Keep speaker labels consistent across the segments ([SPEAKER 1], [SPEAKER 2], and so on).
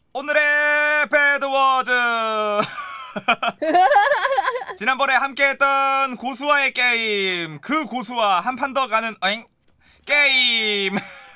[SPEAKER 1] 오늘의 배드워즈. 지난번에 함께했던 고수와의 게임, 그 고수와 한 판 더 가는 게임.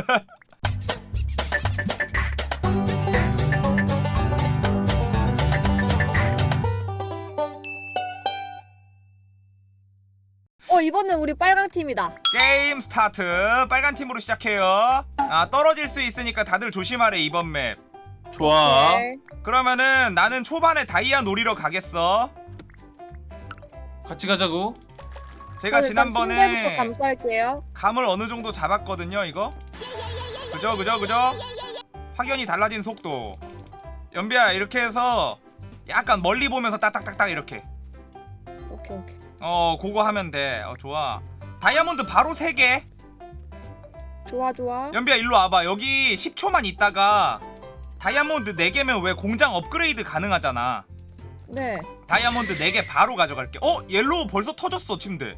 [SPEAKER 2] 이번엔 우리 빨강 팀이다.
[SPEAKER 1] 게임 스타트. 빨간 팀으로 시작해요. 떨어질 수 있으니까 다들 조심하래 이번 맵.
[SPEAKER 3] 좋아.
[SPEAKER 2] 오케이.
[SPEAKER 1] 그러면은 나는 초반에 다이아 노리러 가겠어.
[SPEAKER 3] 같이 가자고.
[SPEAKER 1] 제가
[SPEAKER 2] 일단 침대부터
[SPEAKER 1] 지난번에
[SPEAKER 2] 감쌀게요.
[SPEAKER 1] 감을 어느 정도 잡았거든요 이거. 그죠. 확연히 달라진 속도. 연비야 이렇게 해서 약간 멀리 보면서 딱딱딱딱 이렇게.
[SPEAKER 2] 오케이.
[SPEAKER 1] 그거 하면 돼. 좋아. 다이아몬드 바로 3개.
[SPEAKER 2] 좋아.
[SPEAKER 1] 연비야 일로 와봐. 여기 10초만 있다가 다이아몬드 4개면 왜 공장 업그레이드 가능하잖아.
[SPEAKER 2] 네.
[SPEAKER 1] 다이아몬드 4개 바로 가져갈게. 옐로우 벌써 터졌어 침대.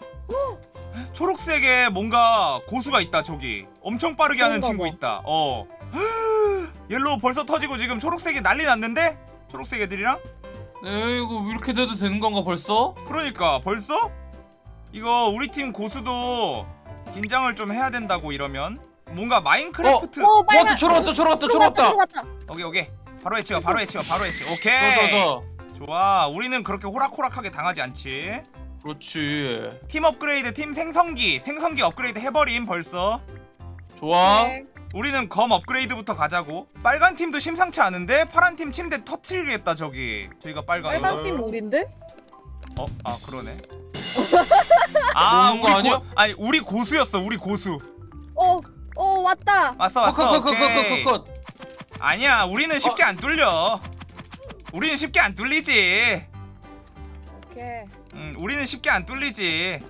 [SPEAKER 1] 초록색에 뭔가 고수가 있다 저기. 엄청 빠르게 하는 친구 있다. 옐로우 벌써 터지고 지금 초록색이 난리 났는데? 초록색 애들이랑?
[SPEAKER 3] 이거 이렇게 돼도 되는 건가 벌써?
[SPEAKER 1] 그러니까 벌써? 이거 우리 팀 고수도 긴장을 좀 해야 된다고 이러면. 뭔가 마인크래프트.
[SPEAKER 2] 빨강.
[SPEAKER 3] 초록왔다.
[SPEAKER 1] 오케이. 바로 해치워. 오케이. 좋아. 우리는 그렇게 호락호락하게 당하지 않지.
[SPEAKER 3] 그렇지.
[SPEAKER 1] 팀 업그레이드, 팀 생성기 업그레이드 해버림 벌써.
[SPEAKER 3] 좋아.
[SPEAKER 2] 네.
[SPEAKER 1] 우리는 검 업그레이드부터 가자고. 빨간 팀도 심상치 않은데? 파란 팀 침대 터트리겠다 저기. 저희가
[SPEAKER 2] 빨강 팀 우린데?
[SPEAKER 1] 그러네.
[SPEAKER 3] 모르는 거 아니야?
[SPEAKER 1] 아니 우리 고수였어. 우리 고수.
[SPEAKER 2] 왔다.
[SPEAKER 1] 왔어. 오케이.
[SPEAKER 3] 컷.
[SPEAKER 1] 아니야 우리는 쉽게 안 뚫려. 우리는 쉽게 안 뚫리지.
[SPEAKER 2] 오케이.
[SPEAKER 1] 우리는 쉽게 안 뚫리지.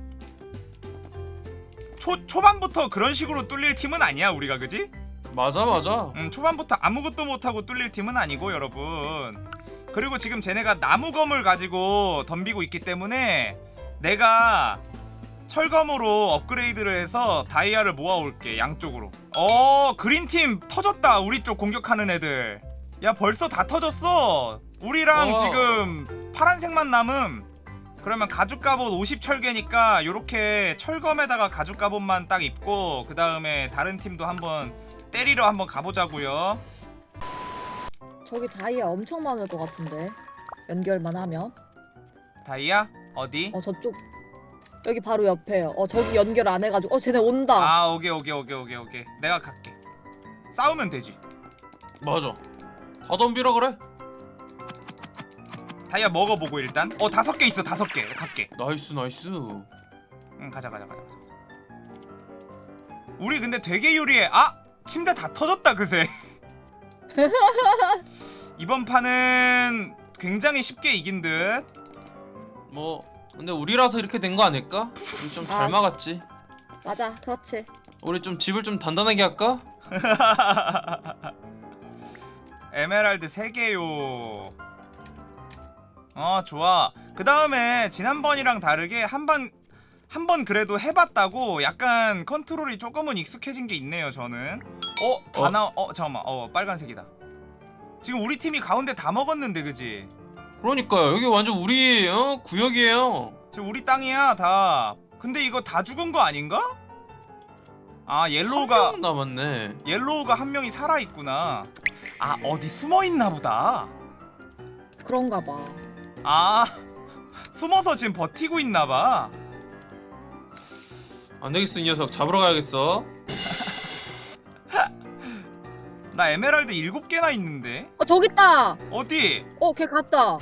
[SPEAKER 1] 초반부터 그런 식으로 뚫릴 팀은 아니야 우리가. 그지?
[SPEAKER 3] 맞아.
[SPEAKER 1] 초반부터 아무것도 못하고 뚫릴 팀은 아니고 여러분. 그리고 지금 쟤네가 나무검을 가지고 덤비고 있기 때문에 내가 철검으로 업그레이드를 해서 다이아를 모아올게 양쪽으로. 그린팀 터졌다. 우리 쪽 공격하는 애들. 야 벌써 다 터졌어. 우리랑 지금 파란색만 남음. 그러면 가죽 갑옷 50 철개니까 요렇게 철검에다가 가죽 갑옷만 딱 입고 그 다음에 다른 팀도 한번 때리러 한번 가보자고요.
[SPEAKER 2] 저기 다이아 엄청 많을 것 같은데. 연결만 하면.
[SPEAKER 1] 다이아? 어디?
[SPEAKER 2] 저쪽. 여기 바로 옆에요. 저기 연결 안 해가지고. 쟤네 온다.
[SPEAKER 1] 오케이. 내가 갈게. 싸우면 되지.
[SPEAKER 3] 맞아. 다 덤비라 그래.
[SPEAKER 1] 다이아 먹어보고 일단. 5개 있어. 5개. 갈게.
[SPEAKER 3] 나이스.
[SPEAKER 1] 가자. 우리 근데 되게 유리해. 침대 다 터졌다 그새. 이번 판은 굉장히 쉽게 이긴 듯.
[SPEAKER 3] 근데 우리라서 이렇게 된 거 아닐까? 우리 좀 잘 막았지.
[SPEAKER 2] 맞아. 그렇지.
[SPEAKER 3] 우리 좀 집을 좀 단단하게 할까?
[SPEAKER 1] 에메랄드 3개요. 좋아. 그 다음에 지난번이랑 다르게 한 번 그래도 해봤다고 약간 컨트롤이 조금은 익숙해진 게 있네요 저는. 잠깐만. 빨간색이다. 지금 우리 팀이 가운데 다 먹었는데 그지?
[SPEAKER 3] 그러니까요. 여기 완전 우리 구역이에요.
[SPEAKER 1] 지금 우리 땅이야 다. 근데 이거 다 죽은 거 아닌가? 옐로우가
[SPEAKER 3] 한 명 남았네.
[SPEAKER 1] 옐로우가 한 명이 살아있구나. 어디 숨어있나 보다.
[SPEAKER 2] 그런가 봐.
[SPEAKER 1] 숨어서 지금 버티고 있나 봐.
[SPEAKER 3] 안 되겠어 이 녀석 잡으러 가야겠어.
[SPEAKER 1] 나 에메랄드 7개나 있는데.
[SPEAKER 2] 저기 있다.
[SPEAKER 1] 어디?
[SPEAKER 2] 걔 갔다.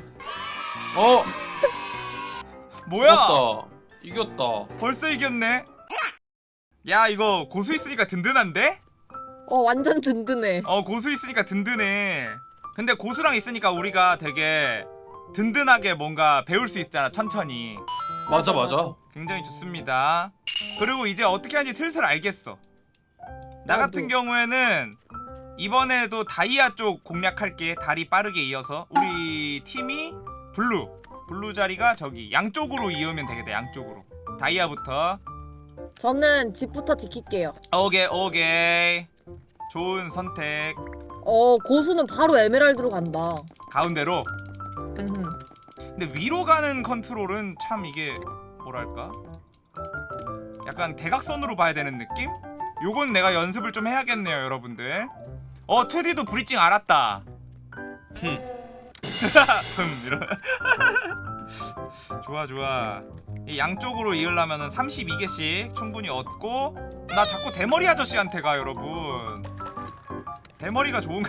[SPEAKER 1] 뭐야?
[SPEAKER 3] 이겼다.
[SPEAKER 1] 벌써 이겼네. 야 이거 고수 있으니까 든든한데?
[SPEAKER 2] 완전 든든해.
[SPEAKER 1] 고수 있으니까 든든해. 근데 고수랑 있으니까 우리가 되게 든든하게 뭔가 배울 수 있잖아 천천히.
[SPEAKER 3] 맞아.
[SPEAKER 1] 굉장히 좋습니다. 그리고 이제 어떻게 하는지 슬슬 알겠어. 나 같은 경우에는 이번에도 다이아 쪽 공략할게. 다리 빠르게 이어서. 우리 팀이 블루 자리가 저기 양쪽으로 이으면 되겠다. 양쪽으로. 다이아부터.
[SPEAKER 2] 저는 집부터 지킬게요.
[SPEAKER 1] 오케이. 좋은 선택.
[SPEAKER 2] 고수는 바로 에메랄드로 간다.
[SPEAKER 1] 가운데로.
[SPEAKER 2] 음흠.
[SPEAKER 1] 근데 위로 가는 컨트롤은 참 이게 뭐랄까? 약간 대각선으로 봐야 되는 느낌? 요건 내가 연습을 좀 해야겠네요, 여러분들. 2D도 브리징 알았다. 이런. 좋아 좋아. 이 양쪽으로 이으려면은 32개씩 충분히 얻고. 나 자꾸 대머리 아저씨한테 가, 여러분. 대머리가 좋은가?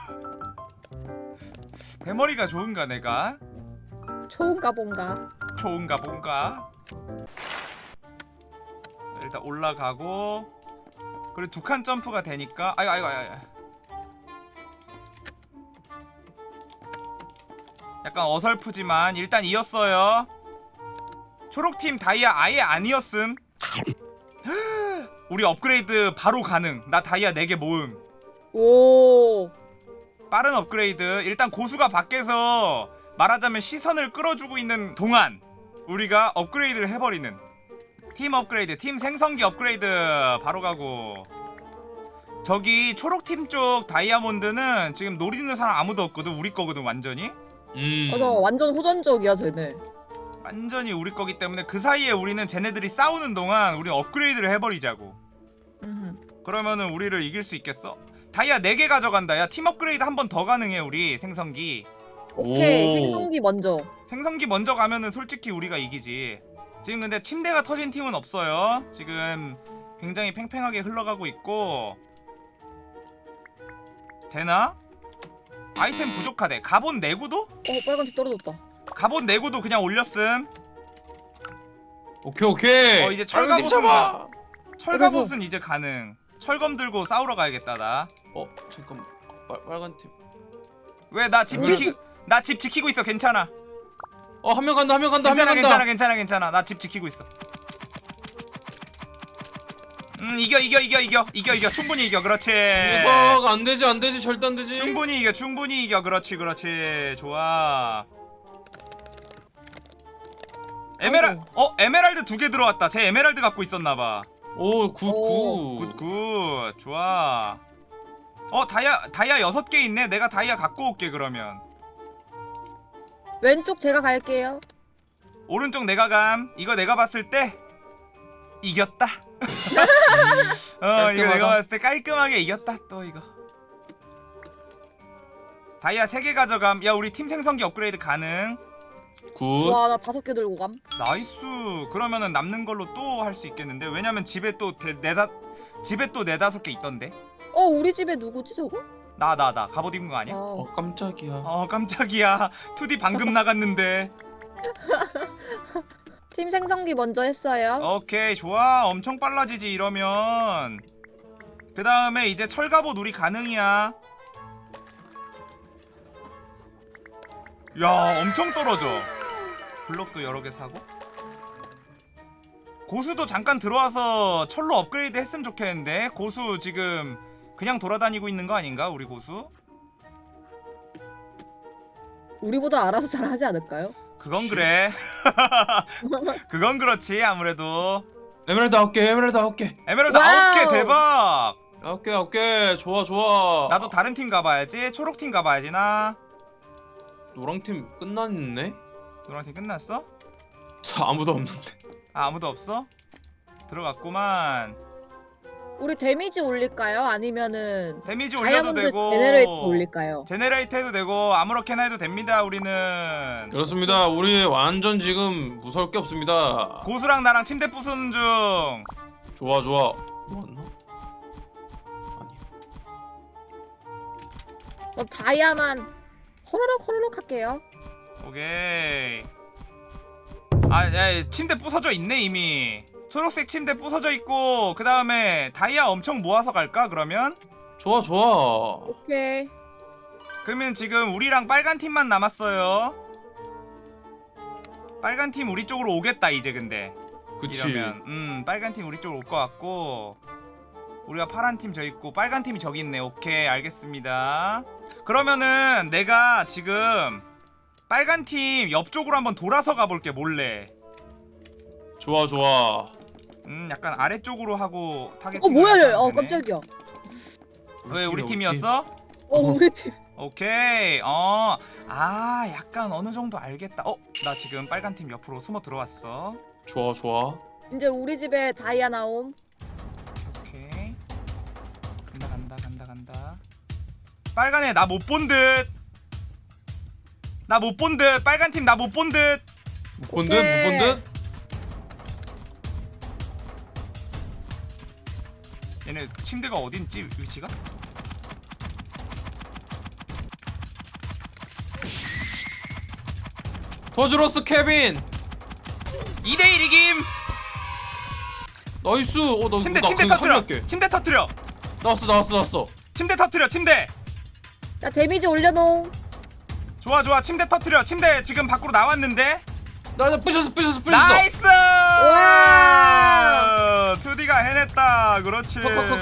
[SPEAKER 1] 대머리가 좋은가 내가?
[SPEAKER 2] 좋은가 본가.
[SPEAKER 1] 좋은가 본가? 일단 올라가고. 그리고 2칸 점프가 되니까. 아이고. 약간 어설프지만 일단 이었어요. 초록팀 다이아 아예 아니었음. 우리 업그레이드 바로 가능. 나 다이아 4개 모음.
[SPEAKER 2] 오.
[SPEAKER 1] 빠른 업그레이드. 일단 고수가 밖에서 말하자면 시선을 끌어주고 있는 동안 우리가 업그레이드를 해버리는. 팀 업그레이드, 팀 생성기 업그레이드 바로 가고. 저기 초록팀 쪽 다이아몬드는 지금 노리는 사람 아무도 없거든. 우리 거거든 완전히.
[SPEAKER 2] 맞아, 완전 호전적이야 쟤네.
[SPEAKER 1] 완전히 우리 거기 때문에 그 사이에 우리는 쟤네들이 싸우는 동안 우리는 업그레이드를 해버리자고. 그러면은 우리를 이길 수 있겠어? 다이아 4개 가져간다. 야, 팀 업그레이드 한 번 더 가능해 우리 생성기.
[SPEAKER 2] 오케이, 생성기 먼저.
[SPEAKER 1] 생성기 먼저 가면은 솔직히 우리가 이기지. 지금 근데 침대가 터진 팀은 없어요. 지금 굉장히 팽팽하게 흘러가고 있고. 되나? 아이템 부족하대. 갑옷 내구도?
[SPEAKER 2] 빨간색 떨어졌다.
[SPEAKER 1] 갑옷 내구도 그냥 올렸음.
[SPEAKER 3] 오케이.
[SPEAKER 1] 이제
[SPEAKER 3] 빨간팀
[SPEAKER 1] 철갑옷은
[SPEAKER 3] 잡아.
[SPEAKER 1] 철갑옷은 이제 가능. 철검 들고 싸우러 가야겠다 나.
[SPEAKER 3] 잠깐. 빨간팀.
[SPEAKER 1] 왜 나 집 지키고 있어. 괜찮아.
[SPEAKER 3] 한 명 간다. 한 명 간다.
[SPEAKER 1] 괜찮아. 나 집 지키고 있어. 이겨. 충분히 이겨. 그렇지.
[SPEAKER 3] 녀석 안 되지. 절대 안 되지.
[SPEAKER 1] 충분히 이겨. 그렇지. 좋아. 에메랄드 2개 들어왔다. 쟤 에메랄드 갖고 있었나 봐.
[SPEAKER 3] 굿.
[SPEAKER 1] 굿. 좋아. 다이아 6개 있네. 내가 다이아 갖고 올게 그러면.
[SPEAKER 2] 왼쪽 제가 갈게요.
[SPEAKER 1] 오른쪽 내가 감. 이거 내가 봤을 때 이겼다. 이거 내가 봤을 때 깔끔하게 이겼다. 또 이거 다이아 3개 가져감. 야, 우리 팀 생성기 업그레이드 가능.
[SPEAKER 3] 굿.
[SPEAKER 2] 와, 나 5개 들고 감.
[SPEAKER 1] 나이스. 그러면은 남는 걸로 또 할 수 있겠는데. 왜냐면 집에 또 4-5개 있던데.
[SPEAKER 2] 우리 집에 누구지 저거?
[SPEAKER 1] 나 갑옷 입은 거 아니야?
[SPEAKER 3] 깜짝이야.
[SPEAKER 1] 깜짝이야. 2D 방금 나갔는데.
[SPEAKER 2] 팀 생성기 먼저 했어요.
[SPEAKER 1] 오케이, 좋아. 엄청 빨라지지 이러면. 그 다음에 이제 철갑옷 우리 가능이야. 야, 엄청 떨어져. 블록도 여러 개 사고. 고수도 잠깐 들어와서 철로 업그레이드 했으면 좋겠는데. 고수 지금 그냥 돌아다니고 있는 거 아닌가? 우리 고수?
[SPEAKER 2] 우리보다 알아서 잘 하지 않을까요?
[SPEAKER 1] 그건 그래. 그건 그렇지 아무래도.
[SPEAKER 3] 에메랄드 9개.
[SPEAKER 1] 에메랄드
[SPEAKER 2] 와우.
[SPEAKER 1] 9개 대박.
[SPEAKER 3] 9개. 좋아.
[SPEAKER 1] 나도 다른 팀 가봐야지. 초록팀 가봐야지 나.
[SPEAKER 3] 노랑팀 끝났네?
[SPEAKER 1] 노란팀 끝났어?
[SPEAKER 3] 아무도 없는데.
[SPEAKER 1] 아무도 없어? 들어갔구만.
[SPEAKER 2] 우리 데미지 올릴까요? 아니면은
[SPEAKER 1] 데미지 올려도
[SPEAKER 2] 다이아몬드
[SPEAKER 1] 되고
[SPEAKER 2] 제네레이터 올릴까요?
[SPEAKER 1] 제네레이터 해도 되고 아무렇게나 해도 됩니다. 우리는
[SPEAKER 3] 그렇습니다. 우리 완전 지금 무서울 게 없습니다.
[SPEAKER 1] 고수랑 나랑 침대 부수는 중.
[SPEAKER 3] 좋아. 맞나? 아니.
[SPEAKER 2] 다이아만 호로록 할게요.
[SPEAKER 1] 오케이. 야, 침대 부서져 있네 이미. 초록색 침대 부서져 있고. 그 다음에 다이아 엄청 모아서 갈까 그러면?
[SPEAKER 3] 좋아.
[SPEAKER 2] 오케이.
[SPEAKER 1] 그러면 지금 우리랑 빨간 팀만 남았어요. 빨간 팀 우리 쪽으로 오겠다 이제. 근데
[SPEAKER 3] 그치.
[SPEAKER 1] 이러면 빨간 팀 우리 쪽으로 올 것 같고, 우리가 파란 팀 저 있고 빨간 팀이 저기 있네. 오케이, 알겠습니다. 그러면은 내가 지금 빨간 팀 옆쪽으로 한번 돌아서 가볼게 몰래.
[SPEAKER 3] 좋아.
[SPEAKER 1] 약간 아래쪽으로 하고 타겟팅.
[SPEAKER 2] 뭐야 얘. 깜짝이야.
[SPEAKER 1] 왜 우리 팀이었어?
[SPEAKER 2] 우리 팀.
[SPEAKER 1] 오케이. 약간 어느 정도 알겠다. 나 지금 빨간 팀 옆으로 숨어 들어왔어.
[SPEAKER 3] 좋아 좋아.
[SPEAKER 2] 이제 우리 집에 다이아 나옴.
[SPEAKER 1] 오케이. 간다. 빨간 애 나 못 본 듯. 나 못 본 듯. 빨간 팀 나 못 본 듯.
[SPEAKER 3] 못 본 듯? 못 본 듯?
[SPEAKER 1] 얘네 침대가 어딘지 위치가?
[SPEAKER 3] 도와주러스 케빈.
[SPEAKER 1] 2대1 이김.
[SPEAKER 3] 나이스. 나
[SPEAKER 1] 침대
[SPEAKER 3] 나
[SPEAKER 1] 침대
[SPEAKER 3] 그거
[SPEAKER 1] 터트려.
[SPEAKER 3] 살릴게.
[SPEAKER 1] 침대 터트려.
[SPEAKER 3] 나왔어.
[SPEAKER 1] 침대 터트려. 침대.
[SPEAKER 2] 자 데미지 올려놓음.
[SPEAKER 1] 좋아. 침대 터트려. 침대 지금 밖으로 나왔는데.
[SPEAKER 3] 나 부셨어.
[SPEAKER 1] 나이스!
[SPEAKER 2] 와!
[SPEAKER 1] 2D가 해냈다. 그렇지.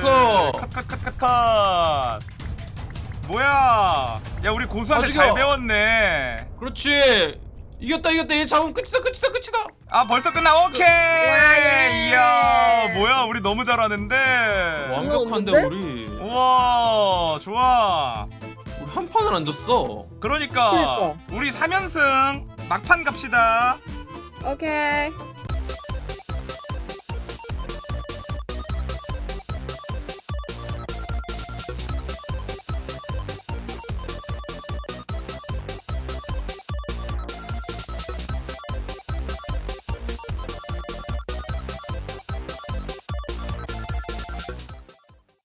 [SPEAKER 1] 컷. 뭐야? 야 우리 고수한테
[SPEAKER 3] 아직이요.
[SPEAKER 1] 잘 배웠네.
[SPEAKER 3] 그렇지. 이겼다. 얘 잡으면 끝이다.
[SPEAKER 1] 아 벌써 끝나. 오케이.
[SPEAKER 2] 예.
[SPEAKER 1] 이야 뭐야 우리 너무 잘하는데.
[SPEAKER 3] 완벽한데
[SPEAKER 2] 없는데?
[SPEAKER 3] 우리.
[SPEAKER 1] 우와 좋아.
[SPEAKER 3] 우리 한 판을 안 졌어.
[SPEAKER 1] 그러니까
[SPEAKER 2] 그러니까.
[SPEAKER 1] 우리 3연승 막판 갑시다.
[SPEAKER 2] 오케이.